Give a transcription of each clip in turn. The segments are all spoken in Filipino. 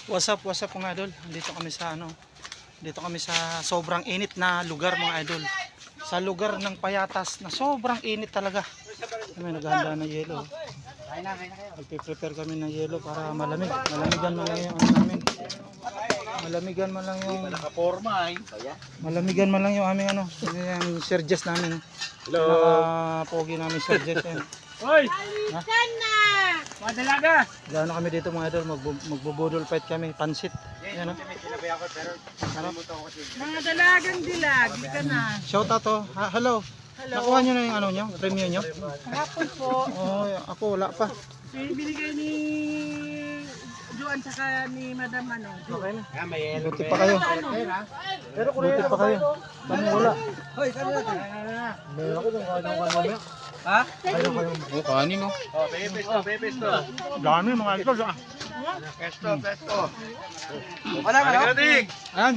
What's up mga idol? Dito kami sa dito kami sa sobrang init na lugar mga idol. Sa lugar ng Payatas na sobrang init talaga. Kami naghahanda ng yelo. Nagpe-prepare kami ng yelo para malamig. Malamigan man lang yung namin. Malamigan man lang yung nakaporma ay. Malamigan man lang yung aming yung Serges namin. Hello. Naka-pogi namin Serges. Hoy! Ha? Madalaga! Gano'n kami dito mga idol, magbubudol fight kami, pansit. Yan, Mga dalagang dilag, di ka na. shout out to. Hello. Nakuha nyo na yung nyo, premium nyo? Kahapon po, Oh, ako wala pa. binigay ni Juan saka ni Madam Okay na. Buti pa kayo. Buti pa kayo. Kami wala. Hoy, kano natin? Meron ako kung ano. Ha? Kayo. Oh, kanin oh. Oh, bebes to. Dami mga idol. Pesto. Wala ka, no? Ayan.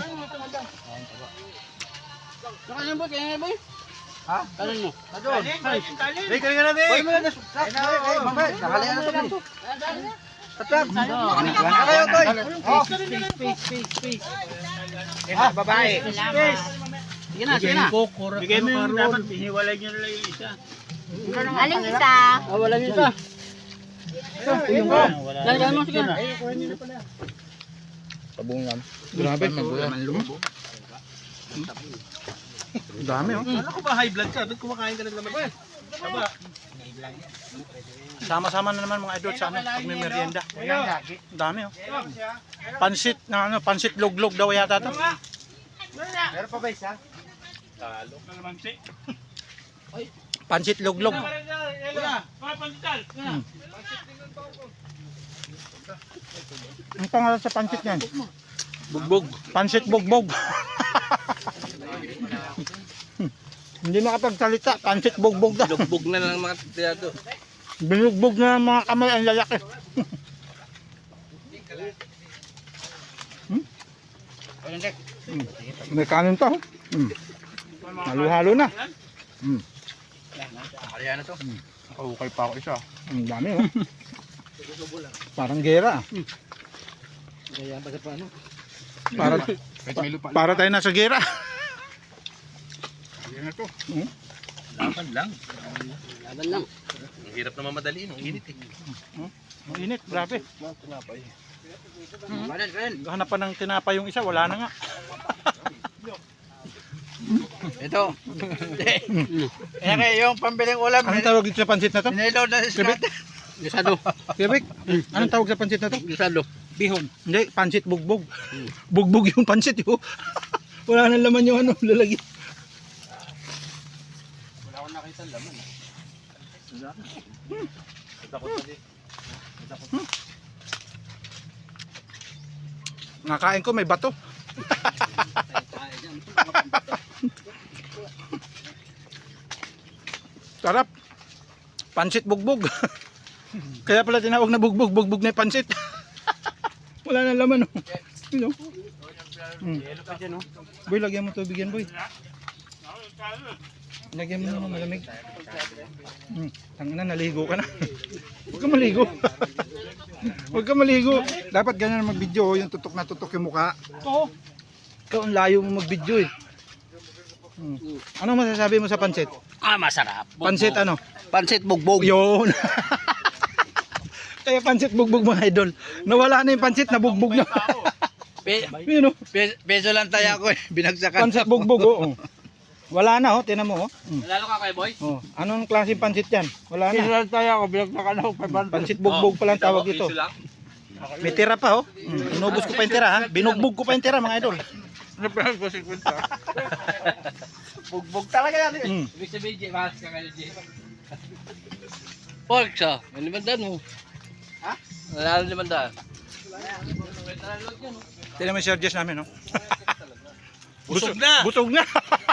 Nakasin mo, kaya boy? Ha? Kanan mo? Doon. Hey, kanin natin. Hoy, mga nas... Nakalian na to. Tatag. Ano kayo, Toy? Space. Babae. Sige na. Bigay mo yung dapat hiwalay nyo na lang yung isa. Aling isa. Wala niyo ito. Yung ba? Lagyan mo, sige. Tabungan. Grabe. Dami oh. Ano ko ba high blood ka? Ba't kumakain ka ng laman? Taba. Sama-sama na naman mga idol sa pagmimerienda. Dami oh. Pansit pansit luglog daw yata to. Meron pa ba isa? Talo ka naman si. Pansit luglog. Ang pangalan sa pansit niyan? Bugbog. Pansit bugbog. Hindi makapagsalita, pansit bugbog daw. Lugbog na lang mga tiyado. Binugbog na ng mga kamay ang lalaki. May kanin to. Halo-halo na. Kaya na to. Nakahukay pa ako isa. Ang dami oh. Parang gera. Para tayo nasa gera. Kaya na to. Laban lang. Ang hirap naman madaliin. Ang init eh. Ang init, grabe. Kanan. Hanap pa ng tinapay yung isa, wala na nga. Ito. Kaya kayo yung pambiling ulam. Anong tawag dito sa pansit na to? Nilaw na si Kibik? Gisado. Kibik? Anong tawag sa pansit na to? Gisado. Bihon. Hindi, pansit bugbog. Bugbog yung pansit yun. Wala nang laman yung lalagyan. Wala akong nakita laman. Nakain ko may bato. Sarap. Pansit bugbog. Kaya pala tinawag na bugbog na yung pansit. Wala nang laman oh. You know? Boy, lagyan mo tubig yan, boy. Lagyan mo naman malamig. Tangina, naligo ka na. Huwag ka maligo. Huwag ka maligo. Dapat ganyan mag-video, yung tutok na tutok yung mukha. Oo. Ikaw ang layo mo mag-video eh. Anong masasabi mo sa pansit? Masarap. Pansit ano? Pansit bugbog. Yun. Kaya pansit bugbog mga idol. Nawala na yung pansit, nabugbog na. Yun oh. Peso lang tayo ako eh. Binagsakan. Pansit bugbog oh. Wala na oh, tinan mo oh. Lalo ka kay boy? Oh, anong klaseng pansit 'yan? Wala Peso na. lang tayo ako. Binagsakan ako. Pansit bugbog pa lang tawag ito. May tira pa oh. Inubos ko pa yung tira ha. Binugbog ko pa yung tira mga idol. Napalag ko 50. Bugbog talaga natin. Ibig sabihin, J. Mas ka kayo, J. Pork siya. Ang limandaan mo. Ha? Wala ang limandaan. Tingnan mo yung Serges namin oh. Busog na! Busog na.